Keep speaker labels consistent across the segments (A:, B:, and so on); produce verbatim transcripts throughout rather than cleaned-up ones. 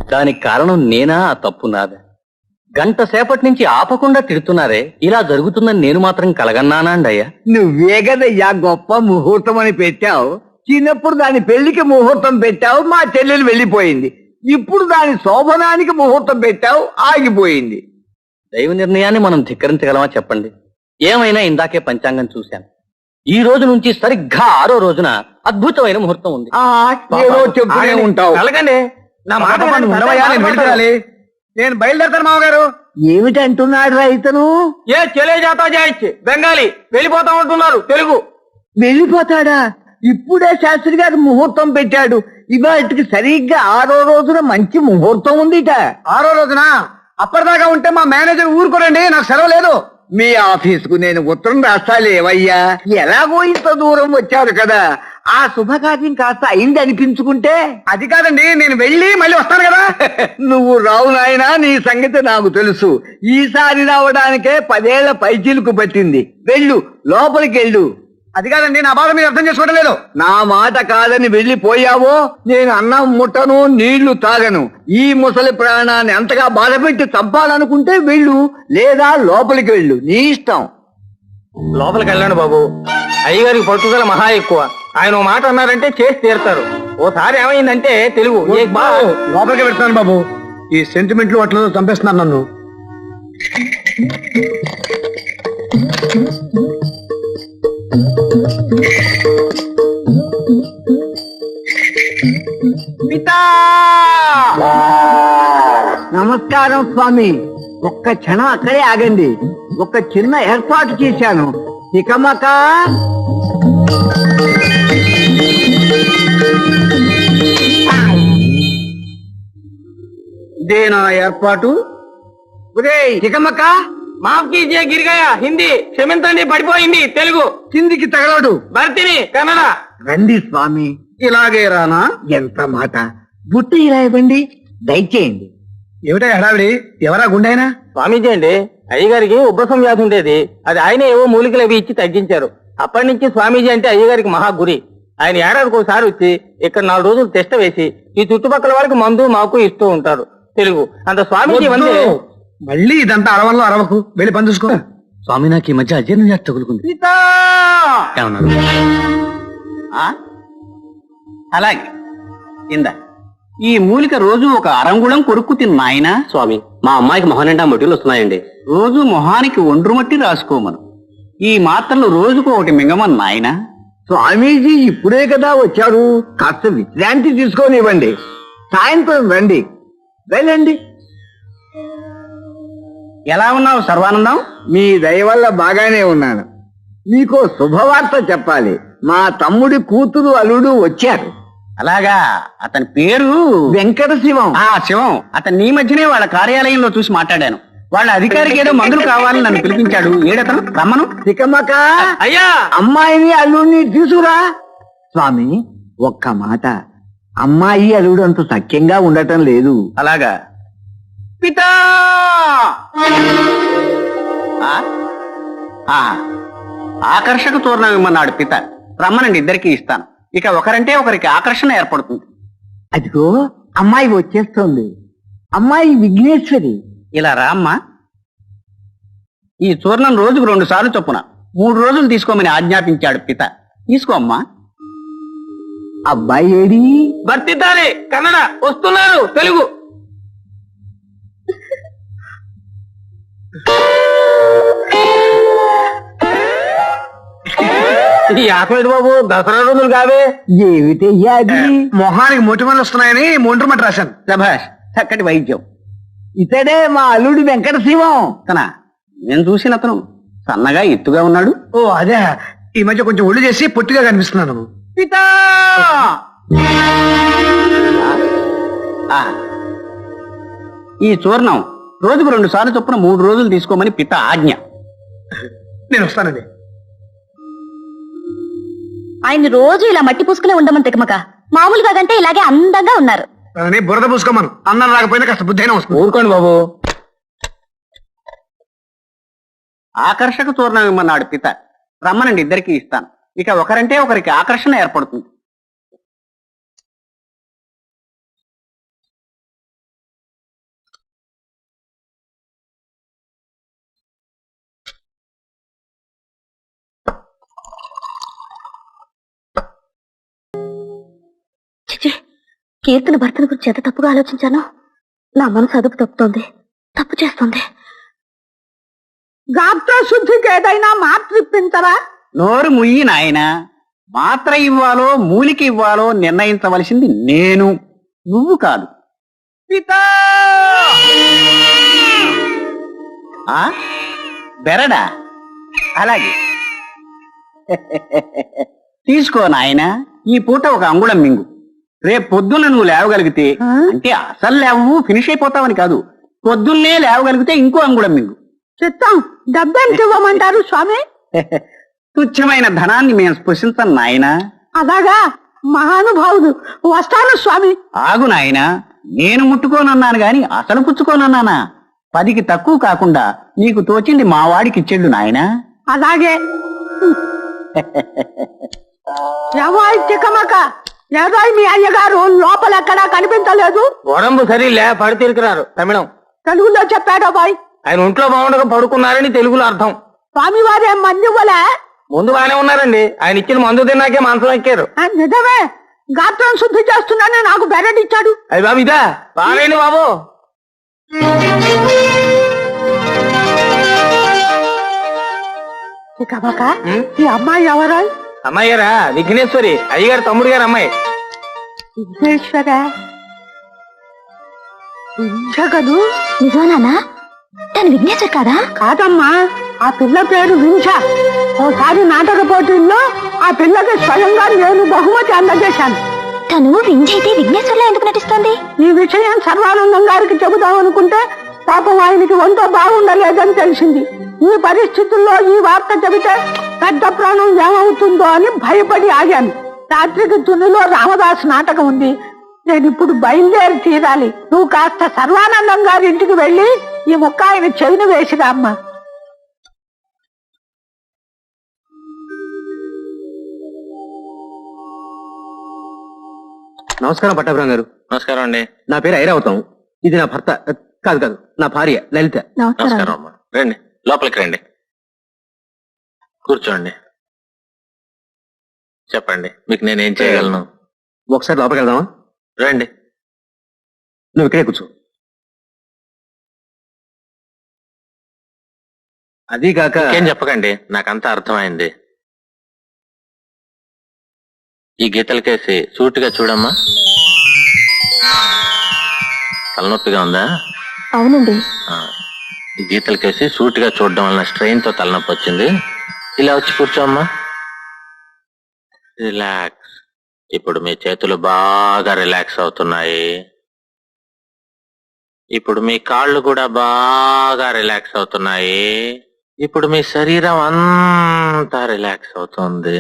A: దానికి కారణం నేనా, ఆ తప్పు నాదా? గంట సేపటి నుంచి ఆపకుండా తిడుతున్నారే, ఇలా జరుగుతుందని నేను మాత్రం కలగన్నానా అండి అయ్యా?
B: నువ్వే కదయ్యా గొప్ప ముహూర్తం అని పెట్టావు. చిన్నప్పుడు దాని పెళ్లికి ముహూర్తం పెట్టావు, మా చెల్లెలు వెళ్ళిపోయింది. ఇప్పుడు దాని శోభనానికి ముహూర్తం పెట్టావు, ఆగిపోయింది.
A: దైవ నిర్ణయాన్ని మనం ధిక్కరించగలమా చెప్పండి? ఏమైనా ఇందాకే పంచాంగం చూశాను. ఈ రోజు నుంచి సరిగ్గా ఆరో రోజున అద్భుతమైన ముహూర్తం ఉంది.
B: ఆ ఏదో చెప్తూనే ఉంటావు.
C: అలాగండి నా మాట వినండి, ఉండవయ్యా, నేను వెళ్ళిపోవాలి. నేను బయలుదేరతాను మామగారు.
B: ఏమిటంటున్నాడు రైతను?
C: ఏ చెలే జాతా జాయిచ్చి బెంగాలీ వెళ్ళిపోతా ఉంటున్నారు తెలుగు.
B: వెళ్ళిపోతాడా? ఇప్పుడే శాస్త్రి గారు ముహూర్తం పెట్టాడు. ఇవాటికి సరిగ్గా ఆరో రోజున మంచి ముహూర్తం ఉందిట.
C: ఆరో రోజున అప్పటిదాకా ఉంటే మా మేనేజర్ ఊరుకోరండి, నాకు సెలవు లేదు.
B: మీ ఆఫీసుకు నేను ఉత్తరం రాస్తాలేవయ్యా. ఎలాగో ఇంత దూరం వచ్చారు కదా, ఆ శుభకార్యం కాస్త అయింది అనిపించుకుంటే.
C: అది కాదండి, నేను వెళ్ళి మళ్ళీ వస్తాను కదా.
B: నువ్వు రావు నాయనా, నీ సంగతి నాకు తెలుసు. ఈసారి రావడానికే పదేళ్ల పైచీలకు పట్టింది. వెళ్ళు, లోపలికి వెళ్ళు.
C: అది కాదండి, నా బాధ మీరు అర్థం చేసుకోవడం లేదు.
B: నా మాట కాదని వెళ్ళిపోయావో నేను అన్నం ముట్టను, నీళ్లు తాగను. ఈ ముసలి ప్రాణాన్ని అంతగా బాధపెట్టి చంపాలనుకుంటే వెళ్ళు, లేదా లోపలికి వెళ్ళు, నీ ఇష్టం.
C: లోపలికి వెళ్ళండి బాబు. అయ్యగారికి పట్టుదల మహా ఎక్కువ. ఆయన ఓ మాట అన్నారంటే చేసి తీరుతారు. ఓసారి ఏమైందంటే తెలుగు లోపలికి పెడతాను బాబు. ఈ సెంటిమెంట్లు అట్లా చంపేస్తున్నాను నన్ను.
B: పితా నమస్కారం స్వామి. ఒక్క క్షణం అక్కడే ఆగండి. ఒక చిన్న ఏర్పాటు చేశాను. ఇకమక
C: దేనా ఏర్పాటు?
B: ఇకమక
C: మాఫ్ కీజియే గిరిగాయా. హిందీ క్షమించండి, పడిపోయింది. తెలుగు
B: కిందికి తగలడు.
C: భర్తిని కన్నడ.
B: రండి స్వామి.
C: ఇలాగే రానా?
B: ఎంత మాట. బుట్టి ఇలా ఇవ్వండి, దయచేయండి.
C: ఏమిటా హడావిడి? ఎవరా గుండైనా? స్వామీజీ అండి. అయ్యగారికి ఉబ్బసం వ్యాధి ఉండేది. అది ఆయన ఏవో మూలికలు అవి ఇచ్చి తగ్గించారు. అప్పటి నుంచి స్వామీజీ అంటే అయ్యగారికి మహా గురి. ఆయన ఏడాదికి ఒకసారి వచ్చి ఇక్కడ నాలుగు రోజులు టెస్ట్ వేసి ఈ చుట్టుపక్కల వాళ్ళకి మందు మాకు ఇస్తూ ఉంటారు. తెలుగు అంత స్వామీజీ వందే. మళ్ళీ ఇదంతా అరవల్లో అరవకు, వెళ్ళి పని చూసుకో.
A: స్వామి, నాకు ఈ మధ్య అజీర్ణ వ్యాధి తగులుకుంది. ఏమన్నారు?
D: అలాగే ఇందా ఈ మూలిక రోజు ఒక అరంగుళం కొరుక్కు తిన్నాయన.
A: స్వామి, మా అమ్మాయికి మొహం నిండా మొటిలు వస్తున్నాయండి.
D: రోజు మొహానికి ఒండ్రు మట్టి రాసుకోమను. ఈ మాత్రలు రోజుకు ఒకటి మింగమని నాయన.
B: స్వామీజీ ఇప్పుడే కదా వచ్చారు, కాస్త విశ్రాంతి తీసుకోనివ్వండి. సాయంత్రం రండి. వెళ్ళండి.
D: ఎలా ఉన్నావు సర్వానందం?
B: మీ దయ వల్ల బాగానే ఉన్నాను. మీకో శుభవార్త చెప్పాలి. మా తమ్ముడి కూతురు అల్లుడు వచ్చారు.
D: అలాగా, అతని పేరు
B: వెంకట శివం.
D: ఆ శివం. అతను నీ మధ్యనే వాళ్ళ కార్యాలయంలో చూసి మాట్లాడాను. వాళ్ళ అధికారికి ఏదో మందులు కావాలని నన్ను పిలిపించాడు. ఏడతను రమ్మను.
B: తికమక
C: అయ్యా,
B: అమ్మాయిని అల్లుడిని తీసుకురా. స్వామి, ఒక్క మాట. అమ్మాయి అల్లుడు అంత సఖ్యంగా ఉండటం లేదు.
D: అలాగా పితా. ఆ? ఆ, ఆకర్షక తోరణం ఇమ్మన్నాడు పిత. రమ్మనండి, ఇద్దరికి ఇస్తాను. ఇక ఒకరంటే ఒకరికి ఆకర్షణ ఏర్పడుతుంది.
B: అదిగో అమ్మాయి వచ్చేస్తోంది. అమ్మాయి విఘ్నేశ్వరి.
D: ఇలా రామ్మా. ఈ చూర్ణం రోజుకు రెండు సార్లు చొప్పున మూడు రోజులు తీసుకోమని ఆజ్ఞాపించాడు పిత. తీసుకోమ్మా.
B: అబ్బాయి ఏడి?
C: భర్తిద్దాలి కన్నడ. వస్తున్నారు తెలుగు. ఈ ఆకలి బాబు, దసరా రోజులు కావే.
B: ఏమిటయ్యా అది?
C: మొహానికి మొటిమలు వస్తున్నాయని మొండ్రు మట్టి రాశాను.
D: శభాష్, చక్కటి వైద్యం.
B: ఇతడే మా అల్లుడు వెంకట శివం.
D: తన నేను చూసిన అతను సన్నగా ఎత్తుగా ఉన్నాడు.
C: ఓ అదే, ఈ మధ్య కొంచెం ఒళ్ళు చేసి పొట్టిగా కనిపిస్తున్నాను.
D: పితా. ఆ, ఈ చూర్ణం రోజుకు రెండు సార్లు చొప్పున మూడు రోజులు తీసుకోమని పిత ఆజ్ఞ.
C: నేను వస్తానండి.
E: ఆయన రోజు ఇలా మట్టి పూసుకునే ఉండమని తికమక. మామూలుగా కంటే ఇలాగే అందంగా ఉన్నారు.
C: బురద పూసుకోమను. అన్నం రాకపోయినా కాస్త బుద్ధి అయినా వస్తుంది. ఊరుకోండి బాబు.
D: ఆకర్షక చూర్ణం ఇమ్మన్నాడు పిత. రమ్మనండి, ఇద్దరికి ఇస్తాను. ఇక ఒకరంటే ఒకరికి ఆకర్షణ ఏర్పడుతుంది.
E: కీర్తన భర్తను గురించి ఎంత తప్పుగా ఆలోచించానో నా మనసు అదుపు తప్పుతోంది, తప్పు చేస్తుంది.
F: గాత్ర శుద్ధికి ఏదైనా మాత్ర ఇప్పించరా?
D: నోరు ముయ్యి నాయన. మాత్ర ఇవ్వాలో మూలిక ఇవ్వాలో నిర్ణయించవలసింది నేను, నువ్వు కాదు.
F: పితా
D: ఆ బెరడా? అలాగే తీసుకో నాయన. ఈ పూట ఒక అంగుళం మింగు. రేపు పొద్దున్న నువ్వు లేవగలిగితే, అంటే అసలు లేవు ఫినిష్ అయిపోతావని కాదు, పొద్దున్నే లేవగలిగితే ఇంకో అంగుళం మింగు.
F: చిత్తం డబ్బెంత ఇవ్వమంటారు స్వామి?
D: తుచ్చమైన ధనాన్ని మేము స్పృశించం నాయనా.
F: అలాగా, మహానుభావుడు. వస్తాను స్వామి.
D: ఆగు నాయన, నేను ముట్టుకోనన్నాను గాని అసలు పుచ్చుకోనన్నానా? పదికి తక్కువ కాకుండా నీకు తోచింది మా వాడికి ఇచ్చేళ్ళు నాయనా.
F: అలాగే. ఎవరు చిక్కమక, ఎవరు మీ అయ్యగారు లోపల ఎక్కడా కనిపించలేదు?
C: వడంబు సరిలే పడి తిరిగిరారు తమిళం.
F: తెలుగులో చెప్పాడో బాయ్.
C: ఆయన ఒంట్లో బాగుండగా పడుకున్నారని తెలుగులో అర్థం.
F: స్వామి వారు ఏం మంది ఇవ్వలే?
C: ముందు బాగానే ఉన్నారండి, ఆయన ఇచ్చిన మందు తిన్నాకే మాంసం ఎక్కారు.
F: ఆ, నిజమే. గాత్రం శుద్ధి చేస్తున్నానే నాకు బెరడిచ్చాడు.
C: అయ్యి బాబు ఇదా బాగాలేండి బాబు.
F: చిక్కమక, ఈ అమ్మాయి ఎవరో?
C: అమ్మాయి గారా? విఘ్నేశ్వరి, అయ్యగారు తమ్ముడు గారు అమ్మాయి.
F: విఘ్నేశ్వర జగదు.
E: నిజమేనా? తను విఘ్నేశ్వర్ కాదా?
F: కాదమ్మా, ఆ పిల్ల పేరు వింఛ. ఓసారి నాటక పోటీల్లో ఆ పిల్లకి స్వయంగా నేను బహుమతి అందజేశాను.
E: తను వింజ అయితే విఘ్నేశ్వర్లో ఎందుకు నటిస్తోంది?
F: ఈ విషయం సర్వానందం గారికి చెబుదాం అనుకుంటే పాపం ఆయనకి వంట బాగుండలేదని తెలిసింది. ఈ పరిస్థితుల్లో ఈ వార్త చెబితే పెద్ద ప్రాణం ఏమవుతుందో అని భయపడి ఆగాను. రాత్రికి తునిలో రామదాస్ నాటకం ఉంది. నేను ఇప్పుడు బయలుదేరి తీరాలి. నువ్వు కాస్త సర్వానందం గారి ఇంటికి వెళ్ళి ఈ ముక్క ఆయన చెవిని వేసిరా అమ్మా.
C: నమస్కారం పట్టాభిరామ్ గారు. నమస్కారం అండి. నా పేరు ఐరావతం. ఇది నా భర్త, కాదు కాదు నా భార్య లలిత.
E: నమస్కారం.
G: అమ్మా రండి, లోపలికి రండి, కూర్చోండి. చెప్పండి, మీకు నేనేం చేయగలను?
C: ఒకసారి లోపలికి వెళ్దామా?
G: రండి.
C: నువ్వు ఇక్కడే కూర్చో. అది కాక
G: ఏం చెప్పకండి, నాకంతా అర్థమైంది. ఈ గీతలకేసి సూటిగా చూడమ్మా. తలనొప్పిగా ఉందా?
E: అవునండి.
G: ఆ, ఈ గీతలకేసి సూటిగా చూడడం వలన స్ట్రెయిన్ తో తలనొప్పి వచ్చింది. ఇలా వచ్చి కూర్చోమ్మా. రిలాక్స్. ఇప్పుడు మీ చేతులు బాగా రిలాక్స్ అవుతున్నాయి. ఇప్పుడు మీ కాళ్ళు కూడా బాగా రిలాక్స్ అవుతున్నాయి. ఇప్పుడు మీ శరీరం అంతా రిలాక్స్ అవుతుంది.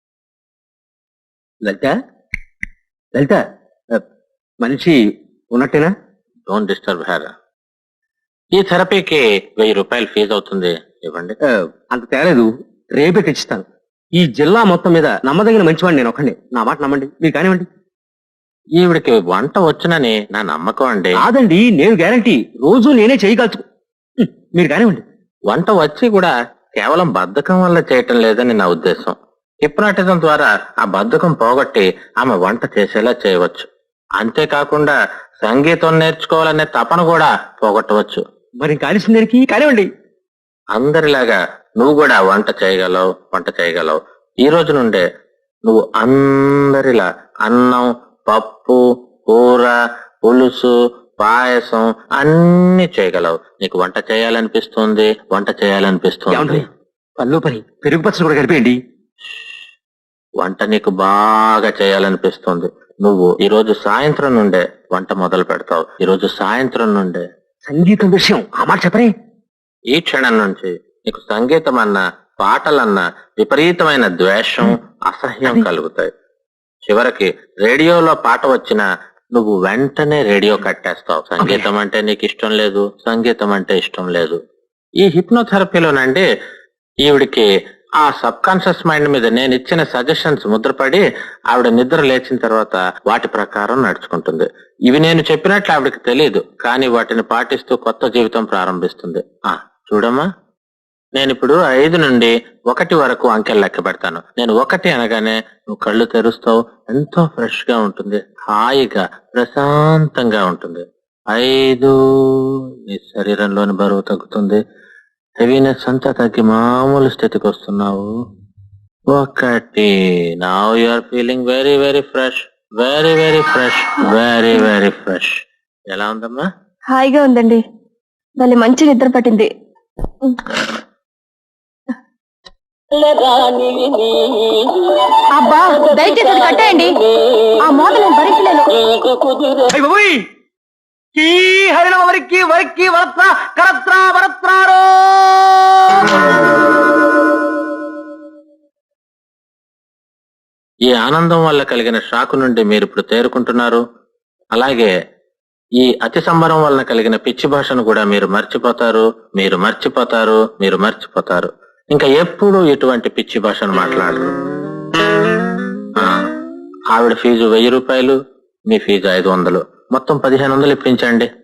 C: లలిత లలిత ఆ, మనిషి ఉన్నట్టేనా?
G: Don't disturb her. ఈ థెరపీకి వెయ్యి రూపాయలు ఫీజు అవుతుంది, ఇవ్వండి.
C: ఆ, అంత తేలేదు, రేపే తెచ్చిస్తాను. ఈ జిల్లా మొత్తం మీద నమ్మదగిన మంచివాడిని నేను ఒకండి. నా మాట నమ్మండి, మీరు కానివ్వండి.
G: ఈవిడికి వంట వచ్చునని నా నమ్మకం అండి.
C: కాదండి, నేను గ్యారంటీ. రోజు నేనే చేయగలుచు. ఉం, మీరు కానివ్వండి.
G: వంట వచ్చి కూడా కేవలం బద్ధకం వల్ల చేయటం లేదని నా ఉద్దేశం. హిప్నాటిజం ద్వారా ఆ బద్ధకం పోగొట్టి ఆమె వంట చేసేలా చేయవచ్చు. అంతేకాకుండా సంగీతం నేర్చుకోవాలనే తపన కూడా పోగొట్టవచ్చు.
C: మరి కానిసిన దానికి కానివ్వండి.
G: అందరిలాగా నువ్వు కూడా వంట చేయగలవు, వంట చేయగలవు. ఈ రోజు నుండే నువ్వు అందరిలా అన్నం, పప్పు, కూర, పులుసు, పాయసం అన్ని చేయగలవు. నీకు వంట చేయాలనిపిస్తుంది, వంట చేయాలనిపిస్తుంది.
C: ఏమండి, పళ్ళు పని పెరుగు పచ్చడి కూడా కలిపేయండి.
G: వంట నీకు బాగా చేయాలనిపిస్తుంది. నువ్వు ఈ రోజు సాయంత్రం నుండే వంట మొదలు పెడతావు. ఈ రోజు సాయంత్రం నుండే.
C: సంగీతం విషయం ఆ మాట చెప్పరే.
G: ఈ క్షణం నుంచి నీకు సంగీతం అన్న, పాటలన్న విపరీతమైన ద్వేషం, అసహ్యం కలుగుతాయి. చివరికి రేడియోలో పాట వచ్చినా నువ్వు వెంటనే రేడియో కట్టేస్తావు. సంగీతం అంటే నీకు ఇష్టం లేదు, సంగీతం అంటే ఇష్టం లేదు. ఈ హిప్నోథెరపీలోనండి ఈవిడికి ఆ సబ్ కాన్షియస్ మైండ్ మీద నేను ఇచ్చిన సజెషన్స్ ముద్రపడి ఆవిడ నిద్ర లేచిన తర్వాత వాటి ప్రకారం నడుచుకుంటుంది. ఇవి నేను చెప్పినట్లు ఆవిడకి తెలియదు, కానీ వాటిని పాటిస్తూ కొత్త జీవితం ప్రారంభిస్తుంది. ఆ చూడమ్మా, నేను ఇప్పుడు ఐదు నుండి ఒకటి వరకు అంకెలు లెక్క పెడతాను. నేను ఒకటి అనగానే నువ్వు కళ్ళు తెరుస్తావు. ఎంతో ఫ్రెష్ గా ఉంటుంది, హాయిగా ప్రశాంతంగా ఉంటుంది. ఐదు, నీ శరీరంలోని బరువు తగ్గుతుంది, హెవీనెస్ అంతా తగ్గి మామూలు స్థితికి వస్తున్నావు. ఒకటి, now you are feeling very very fresh, very very fresh, very very fresh. ఎలా ఉందమ్మా?
E: హాయిగా ఉందండి, మళ్ళీ మంచి నిద్ర పట్టింది. అబ్బా దయచేసి అది కట్టేయండి, ఆ మోత నేను భరించలేను.
A: వరికి వరికి వరత్ర కరత్ర వరత్రారో.
G: ఈ ఆనందం వల్ల కలిగిన షాకు నుండి మీరు ఇప్పుడు తేరుకుంటున్నారు. అలాగే ఈ అతి సంబరం వలన కలిగిన పిచ్చి భాషను కూడా మీరు మర్చిపోతారు, మీరు మర్చిపోతారు, మీరు మర్చిపోతారు. ఇంకా ఎప్పుడు ఇటువంటి పిచ్చి భాషను మాట్లాడరు. ఆ, ఆవిడ ఫీజు వెయ్యి రూపాయలు, మీ ఫీజు ఐదు వందలు, మొత్తం పదిహేను వందలు ఇప్పించండి.